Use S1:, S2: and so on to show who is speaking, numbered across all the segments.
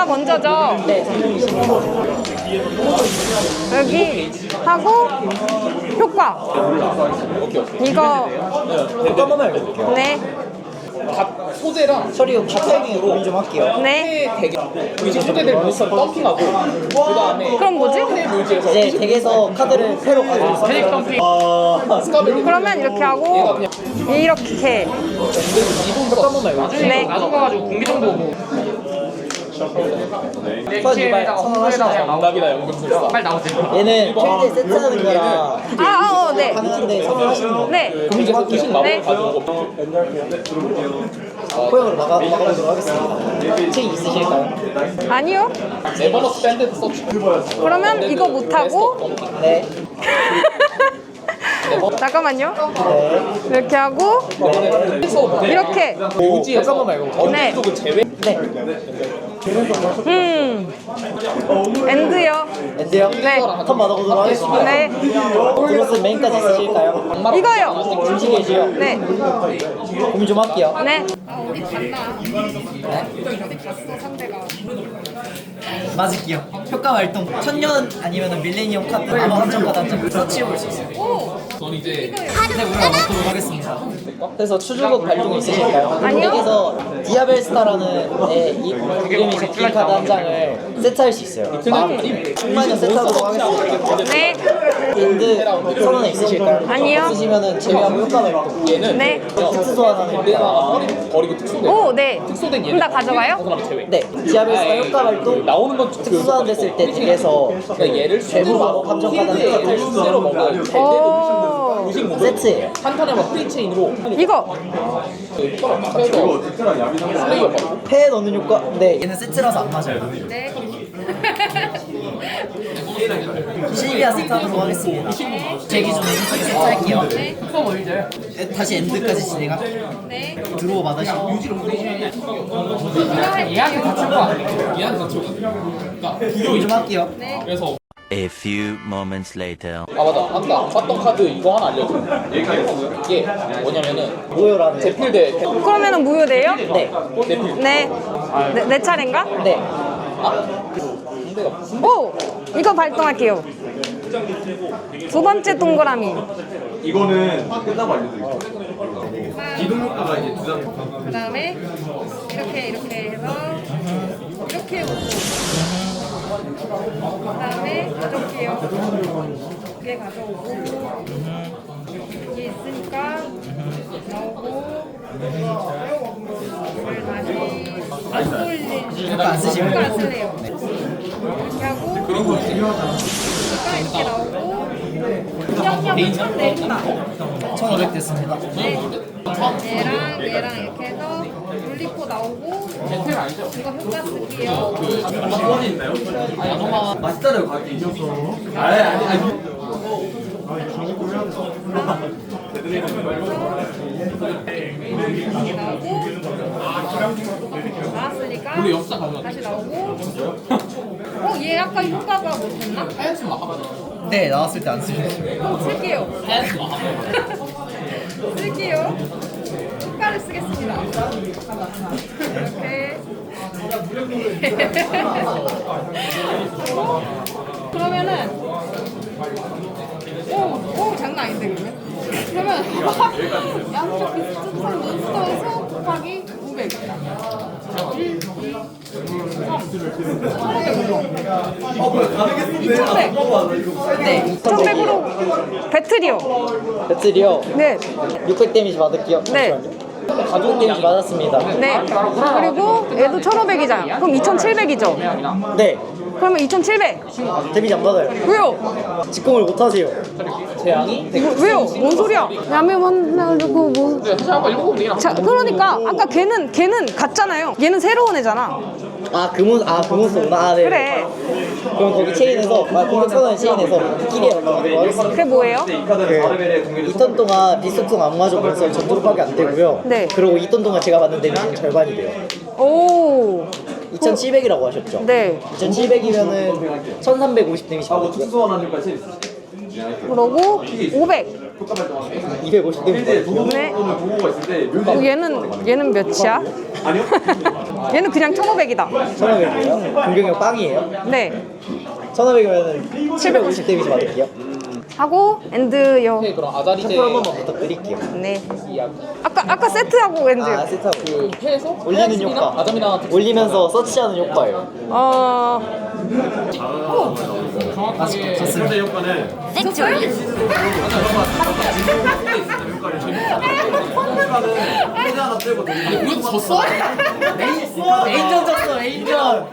S1: 먼저죠?
S2: 네, 성능이 있습니다.
S1: 여기 하고 효과. 이거
S2: 효과 한번 알려드릴게요.
S1: 네.
S3: 소재랑
S2: 처리 타이밍에 고민 좀 할게요.
S1: 네.
S3: 대게 위치 소재들 몬스터를 덤핑하고 그 다음에
S1: 그럼 뭐지?
S3: 뮤지에서
S2: 이제 덱에서 카드를 패로 가지고 있어요.
S1: 그러면 이렇게 하고 이렇게.
S2: 효과 한번 알려드릴게요.
S1: 네.
S3: 나중 가가지고 공기 정보
S2: 선언하시나요?
S3: 정답이다 연금술사 빨리 나오세요.
S2: 얘는 필드에 세트하는 거라
S1: 네.
S2: 가능한데 선언하시는 거.
S1: 네.
S2: 고민 좀 할게요.
S1: 네.
S2: 호영으로 나가보도록 하겠습니다. 책 있으실까요?
S1: 아니요.
S3: 네버너스 밴드 서치
S1: 그러면 이거 못하고
S2: 네.
S1: 잠깐만요.
S2: 네.
S1: 이렇게 하고 이렇게.
S3: 뮤지에서 말고
S1: 네.
S3: 쪽은 제외
S2: 네.
S1: 엔드요.
S2: 엔드요?
S1: 네.
S2: 턴 받아보도록 하겠습니다.
S1: 네.
S2: 드로스 메인까지 있으실까요?
S1: 이거요.
S2: 음식이지요?
S1: 네.
S2: 고민 좀 할게요.
S1: 네.
S2: 맞을게요. 효과 활동. 천년 아니면 밀레니엄 카드 아마 한정 카드 한장 서치해볼 수 있어요.
S3: 전 이제
S2: 네, 우리가 넣도록 하겠습니다. 그래서 추주국 발동이 있으실까요?
S1: 아니요.
S2: 덱에서 디아벨스타라는 이름이 적힌 카드 한 장을 세트할 수 있어요. 충만히 세트하도록 하겠습니다.
S1: 네.
S2: 엔드 선언에 있으실까요?
S1: 아니요.
S2: 없으시면은 제외하고 효과 발동.
S3: 얘는
S1: 네.
S2: 특수 소환하는 효과.
S3: 버리고 특수된
S1: 오, 네.
S3: 특수된
S1: 그럼 다
S3: 그
S1: 가져가요?
S3: 사람 제외
S2: 네, 디아벨스타 효과 발동.
S3: 나오는 건
S2: 특수 소환 됐을 때 덱에서
S3: 그러니까 얘를
S2: 대부 마법 함정 카드
S3: 필드에 실제로 먹는
S1: 오.
S3: 무식 모드
S2: 세트예요.
S3: 한 턴에만 프리체인으로
S1: 이거.
S3: 효과를 막 해서 플레이어 받고
S2: 패에 넣는 효과. 네, 얘는 세트라서 안 맞아요.
S1: 네.
S2: 실비아 세트하도록 하겠습니다. 제 기준에 인터뷰 세트할게요. 네. 다시 엔드까지 진행할게요.
S1: 네.
S2: 드로우 받으시고.
S3: 얘한테 다칠 거 아니야? 얘한테 다칠 거 그러니까
S2: 고민 좀 할게요.
S3: 그래서
S4: A few moments later.
S3: 아 맞아 아까 봤던 카드 이거 하나 알려줘 이게 뭐냐면은
S2: 모여라는.
S3: 제필대
S1: 그러면은 무효돼요?
S2: 네.
S3: 내필
S1: 네. 내 차례인가?
S2: 네.
S3: 상대가 무슨
S1: 오! 이거 발동할게요. 두 번째 동그라미.
S5: 이거는 끝나고 알려드릴게요. 기동 효과가 이제 두 장.
S1: 그 다음에 이렇게 해서 이렇게 오고 그 다음에 가져올게요. 이게 가져오고 이게 있으니까 나오고 이걸 다시 안 쏠릴
S2: 효과 안 쓰시면.
S1: 효과 안 쓸래요. 이렇게 하고 그러니까 이렇게 나오고 양념 쳤네.
S2: 1500 됐습니다.
S1: 네. 얘랑 이렇게 해서 롤리포 나오고 이거 효과 쓸게요.
S5: 맛있다는 가게 있었어. 아니.
S1: 이렇게 나오고 나왔으니까 다시 나오고 얘 아까 효과가 못했나?
S2: 네, 나왔을 때 안 쓰시면.
S1: 쓸게요. 쓸게요. 효과를 쓰겠습니다. 이렇게. 그러면은 오 장난 아닌데 그러면 양쪽 비슷한 몬스터에서 곱하기 500. 1, 2, 3,
S2: 네,
S1: 1100으로 배틀이요.
S2: 배틀이요.
S1: 네.
S2: 600 데미지 받을게요.
S1: 네.
S2: 가족 데미지 받았습니다.
S1: 네. 그리고 얘도 1500이잖아. 그럼 2700이죠.
S2: 네.
S1: 그러면 2700.
S2: 데미지 안 받아요.
S1: 왜요?
S2: 직공을 못 하세요.
S3: 재앙이
S1: 왜요? 뭔 소리야? 야매 만나고 뭐.
S3: 사실 아까 읽어보면 되긴
S1: 자, 그러니까 아까 걔는 갔잖아요. 얘는 새로운 애잖아.
S2: 그몬스터구나. 아, 네.
S1: 그래.
S2: 그럼 거기 체인에서, 공격 선언 체인에서 끼리에 넣어보도록 하겠습니다.
S1: 그게 뭐예요?
S5: 이 카드는 바르벨의 공격이
S2: 2턴 동안 비속성 악마적 몬스터를 전투로밖에 안 되고요.
S1: 네.
S2: 그리고 2턴 동안 제가 받는 데미지는 절반이 돼요.
S1: 오.
S2: 2700이라고 하셨죠?
S1: 네.
S2: 2700이면은 1350 데미지
S5: 하고
S2: 받고요.
S5: 특수소환하는 효과 제일 있으시죠?
S1: 그러고 500.
S5: 효과 발동하는
S2: 250대
S1: 네.
S5: 보고가 있을 때 묘지
S1: 얘는 몇이야?
S5: 아니요?
S1: 얘는 그냥 1,500이다.
S2: 1500이에요? 공격력 빵이에요?
S1: 네.
S2: 1500이면 750 데미지 받을게요.
S1: 하고 엔드요.
S3: 네, 그럼 아자리제
S2: 템플 한 번만 부탁드릴게요.
S1: 네.
S3: 이야기.
S1: 아까 세트하고 엔드.
S2: 아, 세트하고.
S3: 그 패에서
S2: 올리는 효과.
S3: 아자미나
S2: 올리면서 서치하는 효과예요.
S3: 정확하게
S5: 첫 번째 효과는 효과는 하나 빼고
S3: 이거 졌어?
S2: 메인전 졌어, 메인전.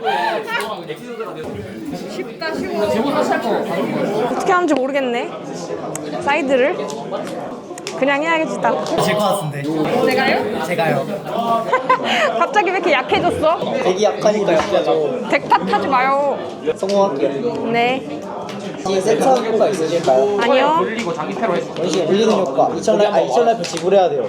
S3: 제목 다시 할 거.
S1: 어떻게 하는지 모르겠네. 사이드를 그냥 해야겠지 딱.
S2: 질것 같은데.
S1: 내가요?
S2: 제가요.
S1: 갑자기 왜 이렇게 약해졌어?
S2: 되게 약하니까 약하죠.
S1: 백탁하지 마요.
S2: 성공할게요.
S1: 네.
S2: 이 세트하는 효과 있으실까요?
S1: 아니요.
S3: 돌리고 자기 패로 했어.
S2: 원시에 올리는 효과. 2000라이프 지불해야 돼요.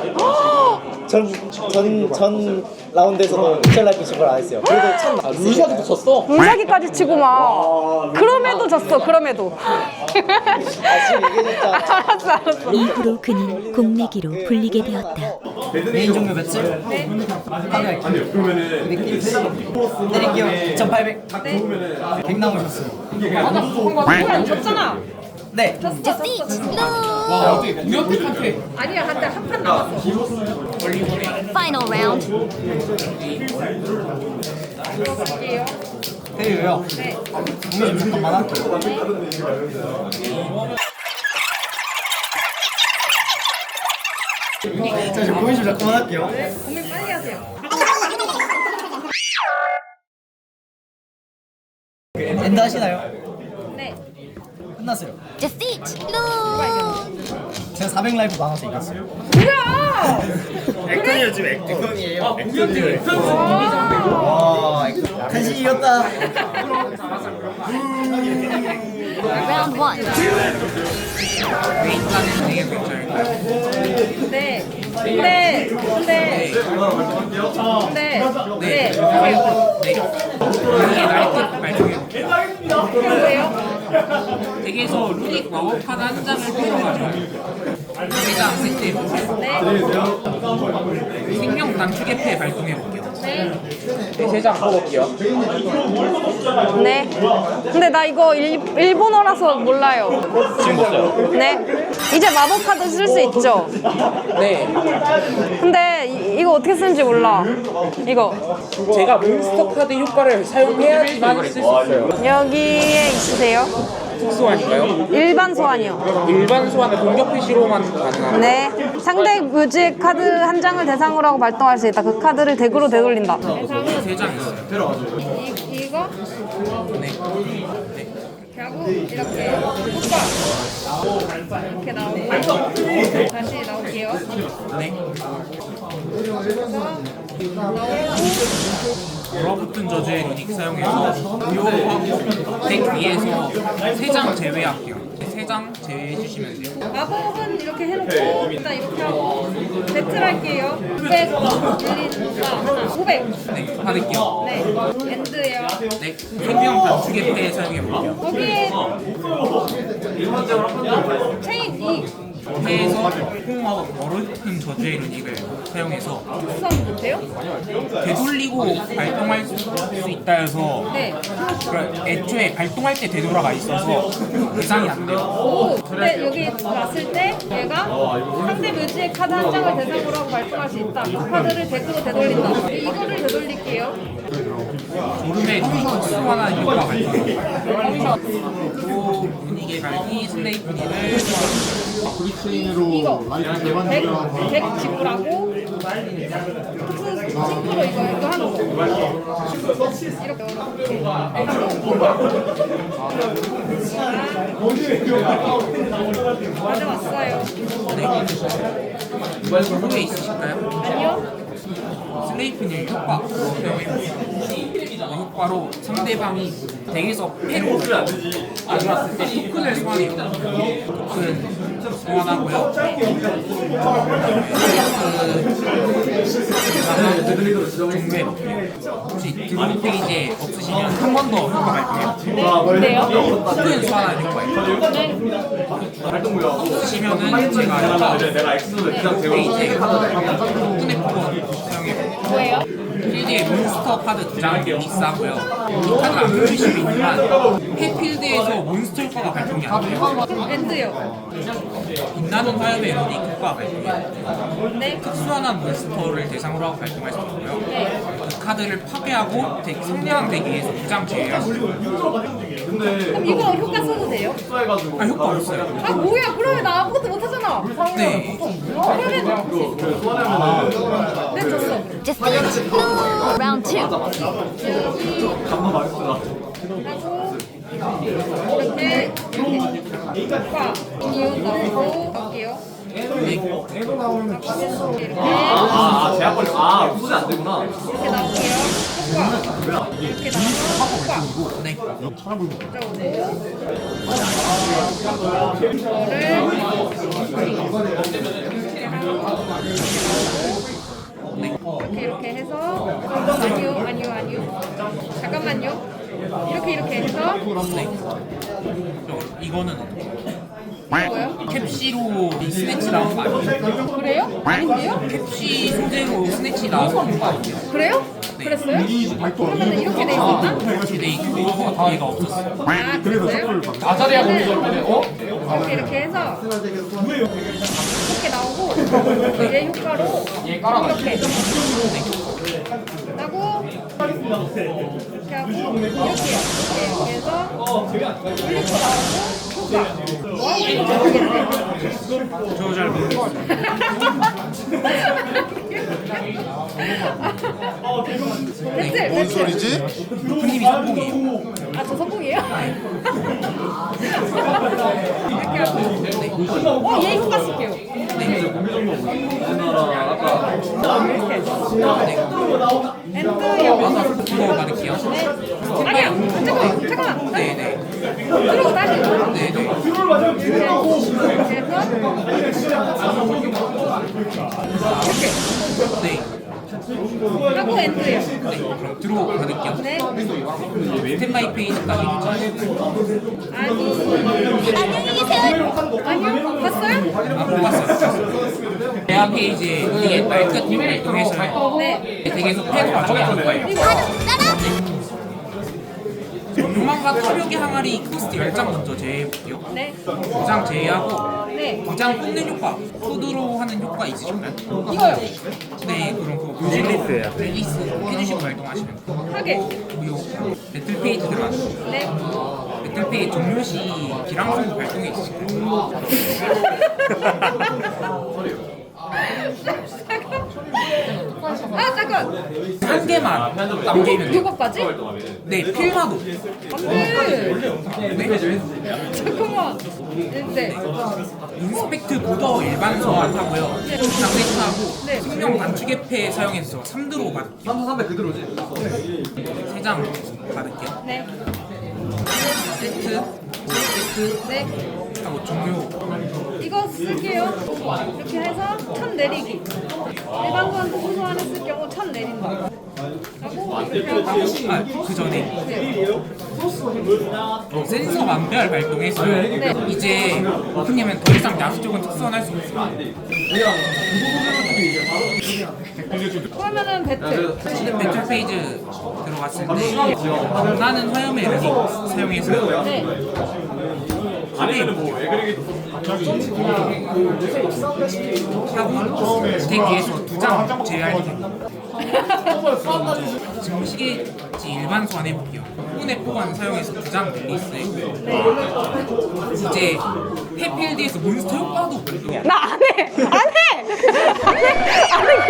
S2: 전 라운드에서도 2000라이프 지불 안 했어요. 그래도 참
S3: 루시아도 졌어.
S1: 물사기까지 치고 막. 그럼에도 졌어. 그럼에도.
S2: 지금 얘기해줬잖아.
S1: 알았어.
S6: 이후로 그는 공내기로 불리게 되었다.
S2: 메인 종료 며칠?
S5: 아니요 그러면은
S2: 내릴게요. 2800. 100 남으셨어요.
S1: 졌잖아.
S2: 네.
S3: 와 어떻게 공격한테
S1: 아니야. 한판 남았어.
S6: Final round.
S2: 때려요. 네. 공유 좀 잠깐만 할게요. 자, 공유 좀 잠깐만 할게요.
S1: 고민 빨리 하세요.
S2: 엔드 하시나요?
S1: 네.
S2: 끝났어요.
S6: Defeat. No.
S2: 제가 400 라이프 많아서 이겼어요.
S1: 뭐야?
S2: 액션이에요 지금 액션이에요. 와, 간신히 이겼다.
S6: Round one.
S1: 네. 근데.
S7: 댁에서 루닉 마법 카드 한 장을 풀어가져요. 대장 세트. 생명 단축의 패 발동해볼게요.
S3: 세장 먹을게요.
S1: 네. 근데 나 이거 일본어라서 몰라요.
S3: 지금 먹어요.
S1: 네. 이제 마법 카드 쓸 수 있죠?
S3: 네.
S1: 근데 이거 어떻게 쓰는지 몰라. 이거.
S3: 제가 몬스터 카드 효과를 사용해야지만 쓸 수 있어요.
S1: 여기에 있으세요?
S3: 특수환인가요?
S1: 일반 소환이요.
S3: 일반 소환은 공격 표시로만 가능합니다.
S1: 네. 상대 뮤직 카드 한 장을 대상으로 하고 발동할 수 있다. 그 카드를 덱으로 되돌린다.
S7: 세 장 있어요.
S1: 이거?
S7: 네.
S1: 이렇게 하고 이렇게 효과 이렇게 나오고 다시 나올게요.
S7: 네. 얼어붙은 저주의 루닉 사용해서 무효하고 덱 위에서 3장 제외할게요. 3장 제외해주시면 돼요.
S1: 마법은 이렇게 해놓고 일단 이렇게 하고 배틀 할게요. 900 빌린다 하나 500.
S7: 네, 받을게요.
S1: 네. 엔드예요.
S7: 네, 생명 단축의 패 사용해볼게요.
S1: 거기에 체인 2
S7: 패에서 호응하고 얼어붙은 저주의 루닉을 사용해서
S1: 수상 못해요?
S7: 되돌리고 발동할 수 있다 해서
S1: 네.
S7: 애초에 발동할 때 되돌아가 있어서 대상이 안 돼요.
S1: 오, 근데 여기 왔을 때 얘가 상대 뮤지의 카드 한 장을 대상으로 하고 발동할 수 있다. 그 카드를 덱으로 되돌린다. 이거를 되돌릴게요.
S7: 졸음의 특수환한 효과 발동. 또 분위기의 발기 슬레이프니를
S1: 이거 덱 지불하고 특수 친구로 이거 하는 거. 이렇게 가져왔어요.
S7: 이번 후에 있으실까요?
S1: 아니요?
S7: 슬레이프니 효과 효과로 상대방이 덱에서 패로 가져왔을 때 토큰을 소환해요. 토큰 소환하고요. 종류에 혹시 드론 페이지에 없으시면 한 번 더 효과 발동해요.
S1: 근데요?
S7: 토큰 소환하는 효과예요. 없으시면은 제가
S5: 내가 엑스를 그냥
S7: 페이지에 토큰의 포건 사용해요.
S1: 뭐예요?
S7: 필드에 몬스터 카드 2장을 리리스하고요. 이 카드를 안 펼치시면 있지만 폐필드에서 몬스터 효과가 발동이 안 돼요.
S1: 그럼 엔드요.
S7: 빛나는 화염의 에너지 효과가 발동해요.
S1: 네.
S7: 특수한 몬스터를 대상으로 하고 발동할 수 있고요.
S1: 네.
S7: 그 카드를 파괴하고 상대방 대기에서 2장 제외하시고
S1: 그럼 이거 효과 써도 돼요?
S7: 아 효과 없어요.
S1: 아 뭐야? 그러면 나 아무것도 못하잖아.
S7: 네.
S1: 그러면 네 졌어.
S6: Just lose. Round 2.
S1: 이렇게 효과 이유 넣고 할게요. 이렇게
S5: 제약 걸려. 소지 안 되구나.
S1: 이렇게 나올게요. 효과 이렇게 나오면 효과.
S7: 네.
S1: 들어오세요. 이렇게 해서 아니요. 잠깐만요. 이렇게 해서
S7: 이거는
S1: 뭐요?
S7: 캡시로 스네치 나온 거 아니에요?
S1: 그래요? 아닌데요?
S7: 캡시 소재로 스네치 나와서 그런 거 아니에요?
S1: 그래요? 그랬어요? 그러면 이렇게 돼 있었나?
S7: 근데 이거 얘가 없었어요.
S1: 아 그랬어요?
S3: 아자리아 보기 전에
S1: 이렇게 해서 이렇게 나오고 얘 효과로 이렇게 하고 이렇게 하고 이렇게 해서 이렇게 나오고
S7: 저도 잘 모르겠어요.
S1: 뭔 소리지?
S7: 루프님이 성공이에요.
S1: 아, 저 성공이에요? 이렇게 하고 얘 효과 쓸게요. 엔드 영.
S7: 그거 받을게요.
S1: 아니야, 잠깐만.
S7: 네네.
S1: 그리고 다시.
S7: 네네.
S1: 이렇게
S7: 네.
S1: 하고 엔드요.
S7: 네. 그럼 들어 받을게요.
S1: 네.
S7: 스탠바이 페이지까지
S6: 안녕히 계세요.
S1: 아니요, 봤어요?
S7: 아, 못 봤어요. 대화 페이지에 이게 말끝 발동해서요.
S1: 네.
S7: 댁에서 패도 가져가는 거예요.
S6: 따라.
S7: 요망과 타격의 항아리 코스트 10장 먼저 제외해볼게요.
S1: 네.
S7: 2장 제외하고
S1: 네.
S7: 2장 뽑는 효과, 푸드로 하는 효과 있으신가요?
S1: 이거요.
S7: 네, 그럼 그거 릴리스예요. 릴리스 해주시고 발동하시면 돼요.
S1: 하게.
S7: 그리고 배틀 페이지 들어가서
S1: 네.
S7: 배틀 페이지 종료 시 기랑성 발동이 있으신가요?
S1: 아, 잠깐.
S7: 한 개만 남기면 돼요.
S1: 이거까지?
S7: 네, 필마도.
S1: 안 돼.
S7: 네.
S1: 잠깐만. 네.
S7: 인스펙트 보더 일반 소환하고요.
S1: 네.
S7: 장세트하고
S1: 네.
S7: 생명 단축의 패 사용해서 3드로 받을게요.
S5: 3,300 그대로지.
S7: 3장 받을게요.
S1: 네.
S7: 세트, 세트
S1: 네.
S7: 하고 종료.
S1: 이거 쓸게요. 이렇게 해서 천 내리기. 일반 건 소소한 했을 경우 천 내린다. 하고 이렇게 하고.
S7: 아, 그 전에 센서 완별 발동해서요.
S1: 네.
S7: 이제 오픈님은 더 이상 야수 쪽은 특수환할 수 없어요.
S1: 그러면은 배틀.
S7: 배틀 페이지 들어갔을 때 빛나는 화염의 에너지 사용해서요.
S1: 네.
S5: 아니면 뭐왜 그러게
S7: 하고 덱 위에서 2장 제외할 됩니다. 지금 시계지 일반 소환 해볼게요. 후분의 포관 사용해서 2장 릴리스했고요. 이제 해필드에서 몬스터 효과도 발동해요.
S1: 나 안 해! 안 해!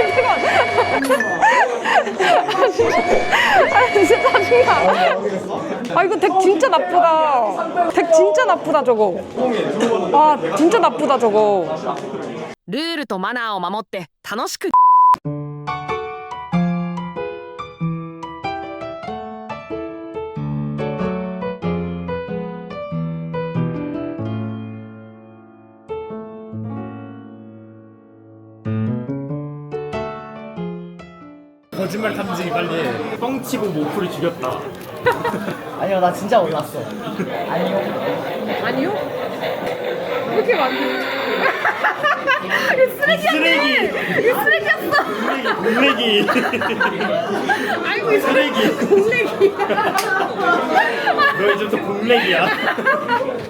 S1: 진짜 짜증나. 아, 이거 덱 진짜 나쁘다. 덱 진짜 나쁘다, 저거. 아, 진짜 나쁘다, 저거.
S8: ルールとマナーを守って楽しく
S5: 거짓말 탐지기 빨리 해. 뻥치고 모프를 죽였다.
S2: 아니요, 나 진짜 몰랐어. 아니요.
S1: 아니요? 왜 이렇게 많니? 이거 쓰레기였네! 이거 쓰레기였어!
S5: 공래기.
S1: 아이고, 이 쓰레기! 공래기!
S5: 너 이제부터 공래기야.